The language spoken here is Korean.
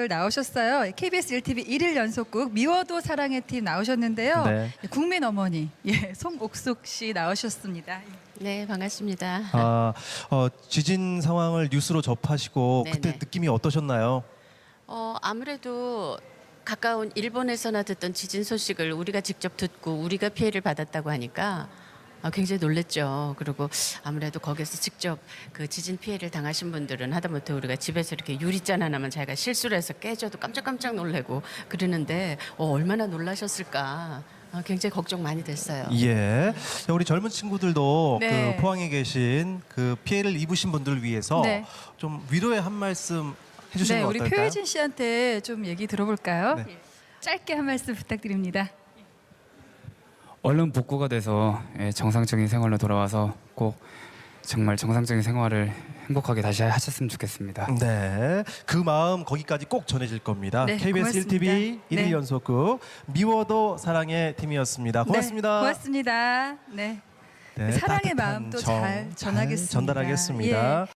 팀들 나오셨어요. KBS 1TV 1일 연속극 미워도 사랑의 팀 나오셨는데요. 네. 국민 어머니 송옥숙 씨 나오셨습니다. 네, 반갑습니다. 지진 상황을 뉴스로 접하시고 네네. 그때 느낌이 어떠셨나요? 아무래도 가까운 일본에서나 듣던 지진 소식을 우리가 직접 듣고 우리가 피해를 받았다고 하니까 굉장히 놀랬죠. 그리고 아무래도 거기서 직접 그 지진 피해를 당하신 분들은 하다못해 우리가 집에서 이렇게 유리잔 하나만 자기가 실수를 해서 깨져도 깜짝깜짝 놀래고 그러는데 얼마나 놀라셨을까. 굉장히 걱정 많이 됐어요. 예. 우리 젊은 친구들도 네. 그 포항에 계신 그 피해를 입으신 분들을 위해서 네. 좀 위로의 한 말씀 해주시는 네, 거 우리 어떨까요? 표혜진 씨한테 좀 얘기 들어볼까요? 네. 짧게 한 말씀 부탁드립니다. 얼른 복구가 돼서 정상적인 생활로 돌아와서 꼭 정말 정상적인 생활을 행복하게 다시 하셨으면 좋겠습니다. 네, 그 마음 거기까지 꼭 전해질 겁니다. 네, KBS 고맙습니다. 1TV 1일 네. 연속극 미워도 사랑의 팀이었습니다. 고맙습니다. 네, 고맙습니다. 네. 네, 사랑의 따뜻한 마음도 잘 전하겠습니다. 전달하겠습니다. 예.